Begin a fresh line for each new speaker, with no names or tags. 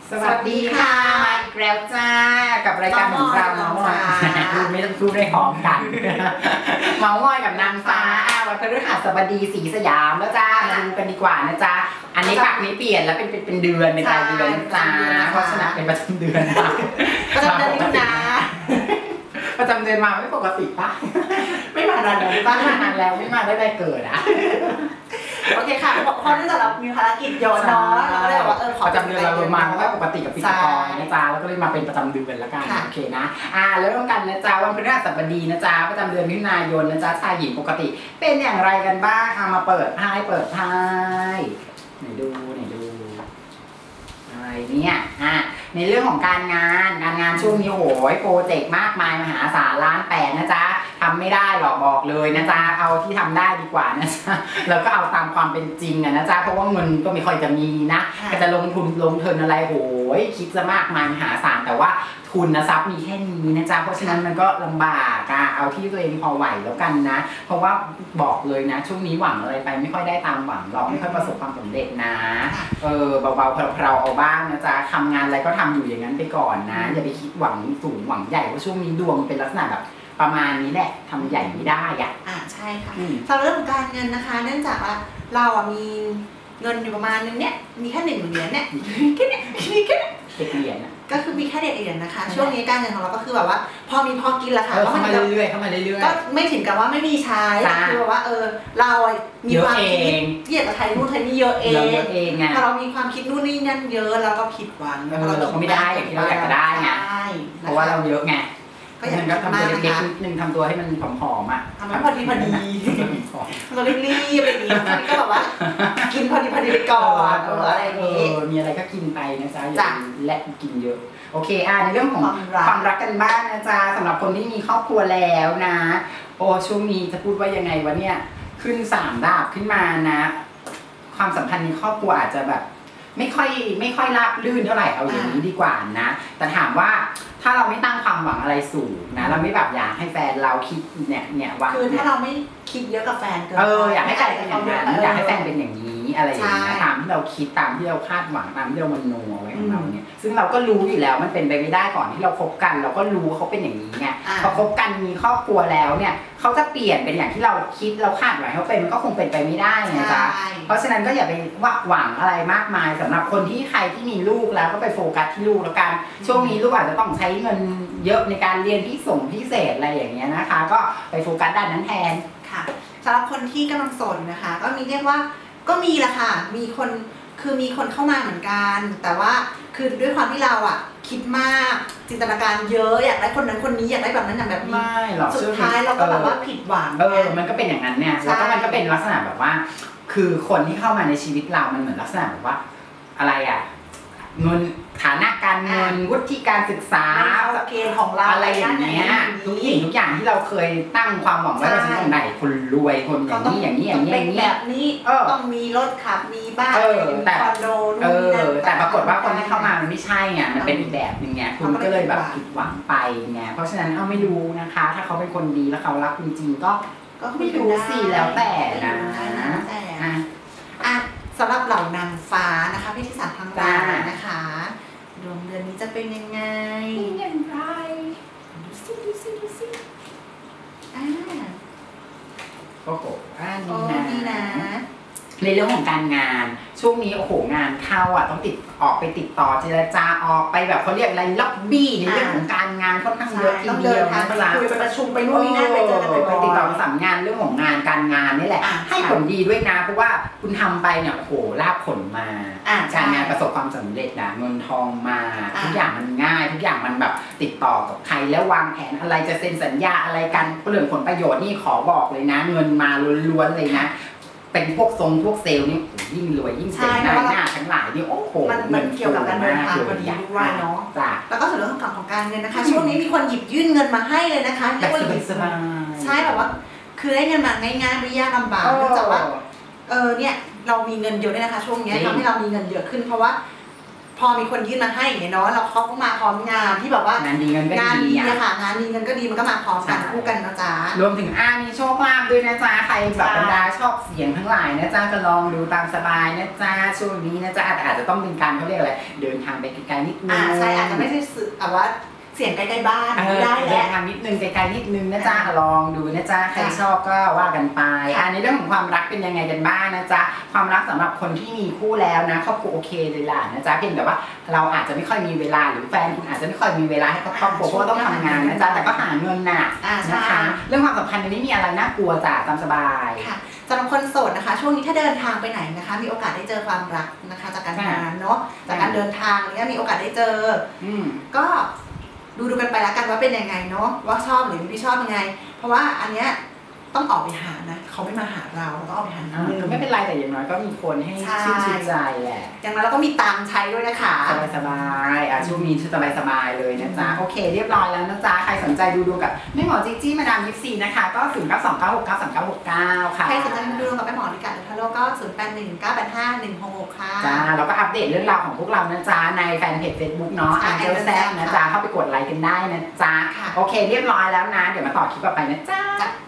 สวัสดีค่ะมาอีกแล้วจ้ากับรายการของเราเมาส์มอยดูไม่ต้องพูดได้หอมกันเมาส์มอยกับนางฟ้าวันพฤหัสบดีศรีสยามแล้วจ้ามาดูกันดีกว่านะจ้าอันนี้ปากนี้เปลี่ยนแล้วเป็นเดือนเป็นรายเดือนจ้าเพราะฉะนั้นเป็นประจำเดือน
ประจำเดือนนี้นะ
ประจำเดือนมาไม่ปกติป่ะ
ไม่มานานแล้วป่ะ
ไม่มานานแล้วไม่มาได้เกิดอ่ะ
โอเคค่ะเพราะเนื่องจากเรามีภารกิจเยอะเนาะเราก็เลยบอกว่า
ประจำเดือนเราลงมาเพราะว่าปกติกับพิธีกรนะจ๊ะแล้วก็เลยมาเป็นประจำเดือนแล้วกันโอเคนะแล้วร่วมกันนะจ๊ะวันพฤหัสบดีนะจ๊ะประจำเดือนมิถุนายนนะจ๊ะชายหญิงปกติเป็นอย่างไรกันบ้างมาเปิดไพ่ไหนดูอะไรเนี่ยในเรื่องของการงานช่วงนี้โหยโปรเจกต์มากมายมหาศาลล้านแปดนะจ๊ะทำไม่ได้หรอกบอกเลยนะจ๊ะเอาที่ทำได้ดีกว่านะจ๊ะแล้วก็เอาตามความเป็นจริงนะจ๊ะเพราะว่าเงินก็ไม่ค่อยจะมีนะก็จะลงทุนอะไรโหยคิดจะมากมายมหาศาลแต่ว่าทุนทรัพย์มีแค่นี้นะจ๊ะเพราะฉะนั้นมันก็ลำบากเอาที่ตัวเองพอไหวแล้วกันนะเพราะว่าบอกเลยนะช่วงนี้หวังอะไรไปไม่ค่อยได้ตามหวังหรอกไม่ค่อยประสบความสำเร็จนะเบาๆเพลาๆเอาบ้างนะจ๊ะทำงานอะไรก็ทำอยู่อย่างนั้นไปก่อนนะอย่าไปคิดหวังสูงหวังใหญ่เพราะช่วงนี้ดวงเป็นลักษณะแบบประมาณนี้แหละทำใหญ่ไม่ได้
ใช่ค่ะสำหรับเรื่องของการเงินนะคะเนื่องจากว่าเรามีเงินอยู่ประมาณนึงเนี่ยมีแค่1 เหรียญเนี่ยแค่เ
เหรียญ
ก็คือมีแค่เหรียญนะคะช่วงนี้การเงินของเราก็คือแบบว่าพอมีพอกินละค่ะ
เข้ามาเรื่อยๆ
ก็ไม่ถึงกับว่าไม่มีใช้คือว่าเรามีความคิดอยากจะไทยนู่นไทยนี่เยอะเองพอเรามีความคิดนู่นนี่นั่นเยอะแล้วก็ผิดหวัง
เราก็ไม่ได้อย่างที่เราอยากจะได้ไงเพราะว่าเราเยอะไงก็อย่างนั้นก็ทำตัวเล็กๆนิดนึงทำตัวให้มันผอม
ทำให้พอดีเรารีบอะไรอย่างนี้ก็แบบว่ากินพอดีไปก่อนอะไรอย่างนี้
มีอะไรก็กินไปนะจ๊ะอย่าและกินเยอะโอเคในเรื่องของความรักกันบ้างนะจ๊ะสำหรับคนที่มีครอบครัวแล้วนะโอ้ช่วงนี้จะพูดว่ายังไงวะเนี่ยขึ้น3 ดาบขึ้นมานะความสัมพันธ์ในครอบครัวอาจจะแบบไม่ค่อยราบรื่นเท่าไหร่เอาอย่างนี้ดีกว่านะแต่ถามว่าถ้าเราไม่ตั้งความหวังอะไรสูงนะเราไม่แบบอยากให้แฟนเราคิดเนี่ยว่า
คือถ้าเราไม่คิดเยอะกับแฟนเกิน
อยากให้แฟนเป็นอย่างนั้นอยากให้แฟนเป็นอย่างนี้อะไรอย่างนี้ตามที่เราคิดตามที่เราคาดหวังตามที่เรามโนไว้ของเราเนี่ยซึ่งเราก็รู้อยู่แล้วมันเป็นไปไม่ได้ก่อนที่เราคบกันเราก็รู้เขาเป็นอย่างนี้ไงพอคบกันมีครอบครัวแล้วเนี่ยเขาจะเปลี่ยนเป็นอย่างที่เราคิดเราคาดหวังเขาเป็นมันก็คงเป็นไปไม่ได้นะจ๊ะเพราะฉะนั้นก็อย่าไปหวังอะไรมากมายสำหรับคนที่ใครที่มีลูกแล้วก็ไปโฟกัสที่ลูกแล้วกันช่วงนี้ลูกอาจจะต้องใช้เงินเยอะในการเรียนพิเศษอะไรอย่างเงี้ยนะคะก็ไปโฟกัสด้านนั้นแทน
ค่ะสำหรับคนที่กำลังสนนะคะก็มีเรียกว่าก็มีแหละค่ะมีคนเข้ามาเหมือนกันแต่ว่าคือด้วยความที่เราคิดมากจินตนาการเยอะอยากได้คนนั้นคนนี้อยากได้แบบนั้นอย่างแบบนี้
ไม่หรอก
สุดท้ายเราก็แบบว่าผิดหวัง
มันก็เป็นอย่างนั้นเนี่ยแล้วก็มันก็เป็นลักษณะแบบว่าคือคนที่เข้ามาในชีวิตเรามันเหมือนลักษณะแบบว่าอะไรเงินฐานะการเงินวุฒิการศึกษา
เกณฑ์ของเรา
อะไรอย่างเงี้ยทุกอย่างที่เราเคยตั้งความหวังไว้ว่าจะต้องได้คนรวยคนอย่างนี้แบบ
นี้ต้องมีรถขับมีบ้าน
แต่
คอนโด
แต่ปรากฏว่าคนที่เข้ามามันไม่ใช่ไงมันเป็นอีกแบบนึงไงคุณก็เลยแบบผิดหวังไปไงเพราะฉะนั้นไม่รู้นะคะถ้าเขาเป็นคนดีแล้วเขารักจริงๆก็ไม่รู้สิแล้วแต่นะ
สำหรับเหล่านางฟ้านะคะพี่ที่สามทางบ้านนะคะดวงเดือนนี้จะเป็นยังไงดูสิ
โอ้โห
ดีนะ
ในเรื่องของการงานช่วงนี้โอ้โหงานเข้าต้องออกไปติดต่อเจรจาออกไปแบบเขาเรียกอะไรล็อบบี้ในเรื่องของการงานค่อนข้างเยอะทีเดียวนะเวลา
คุยไปประชุมไปนู่นนี่นั่นไปเจอกัน
ไปติดต่อประสานงานเรื่องของงานการงานนี่แหละให้ผลดีด้วยนะเพราะว่าคุณทำไปเนี่ยโอ้โหลาภผลมาการงานประสบความสำเร็จนะเงินทองมาทุกอย่างมันง่ายทุกอย่างมันแบบติดต่อกับใครแล้ววางแผนอะไรจะเซ็นสัญญาอะไรกันเรื่องผลประโยชน์นี่ขอบอกเลยนะเงินมาล้วนๆเลยนะเป็นพวกเซลล์นี่ยิ่งรวยยิ่งเจ๋งหน้าทั้งหลายนี่โอ้โห
มันเกี่ยวกับการเดินทางพอดีด้วยเนาะแล้วก็ส่วนเรื่องของการเงินนะคะช่วงนี้มีคนหยิบยื่นเงินมาให้เลยนะคะเรียกว่าใช่แบบว่าคือได้เงินมาง่ายๆไม่ยากลำบากเนื่องจากว่าเนี่ยเรามีเงินเยอะด้วยนะคะช่วงนี้ทำให้เรามีเงินเยอะขึ้นเพราะว่าพอมีคนยื่นมาให้อย่างเงี้ยเนาะเราเขาก็มาพร้อมงานที่แบบว่างานดีเงินก็ดีอะค่ะงานดีเงินก็ดีมันก็มาพร้อมกันคู่กันนะจ๊ะ
รวมถึงมีโชคลาภด้วยนะจ๊ะใครแบบบรรดาชอบเสียงทั้งหลายนะจ๊ะก็ลองดูตามสบายนะจ๊ะช่วงนี้นะจ๊ะอาจจะต้องเป็นการเขาเรียกอะไรเดินทางไปไกลๆนิดนึง
ใช่อาจจะไม่ใช่สื่อแบบว่าเสียงใกล้ๆบ้านได้แหละ
ทางนิดนึงไกลๆนิดนึงนะจ๊ะลองดูนะจ๊ะใครชอบก็ว่ากันไปในเรื่องของความรักเป็นยังไงกันบ้างนะจ๊ะความรักสำหรับคนที่มีคู่แล้วนะครอบครัวโอเคเลยล่ะนะจ๊ะเพียงแต่ว่าเราอาจจะไม่ค่อยมีเวลาหรือแฟนคุณอาจจะไม่ค่อยมีเวลาให้กับครอบครัวเพราะว่าต้องทำงานนะจ๊ะแต่ก็หาเงินน่ะนะคะเรื่องความสัมพันธ์นี้มีอะไรน่ากลัวจ้ะตามสบาย
ค่ะสำหรับคนโสดนะคะช่วงนี้ถ้าเดินทางไปไหนนะคะมีโอกาสได้เจอความรักนะคะจากการงานเนาะจากการเดินทางเนี้ยมีโอกาสได้เจอก็ดูกันไปแล้วกันว่าเป็นยังไงเนาะว่าชอบหรือไม่ชอบยังไงเพราะว่าอันเนี้ยต้องออกไปหานะเขาไม่มาหาเราต้องออกไปหา
ไม่เป็นไรแต่อย่างน้อยก็มีคนให้ชื่นใจแหละ
อย่างนั้นเราก็มีตังค์ใช้ด้วยนะคะ
สบายช่วงนี้สบายเลยนะจ๊ะโอเคเรียบร้อยแล้วนะจ๊ะใครสนใจดูกับแม่หมอจิ๊จี้มาดามยิปซีนะคะก็0929693969ค่ะ
ใครสนใจดูกับแม่หมอลิกาเดลทาโร่ก็0819851666ค่ะ
จ้าเราก็อัปเดตเรื่องราวของพวกเรานะจ๊ะในแฟนเพจ Facebook เนาะAngel Zep นะจ๊ะเข้าไปกดไลค์กันได้นะจ๊ะโอเคเรียบร้อยแล้วนะเดี๋ยวมาต่อคลิปต่อไปนะจ๊ะ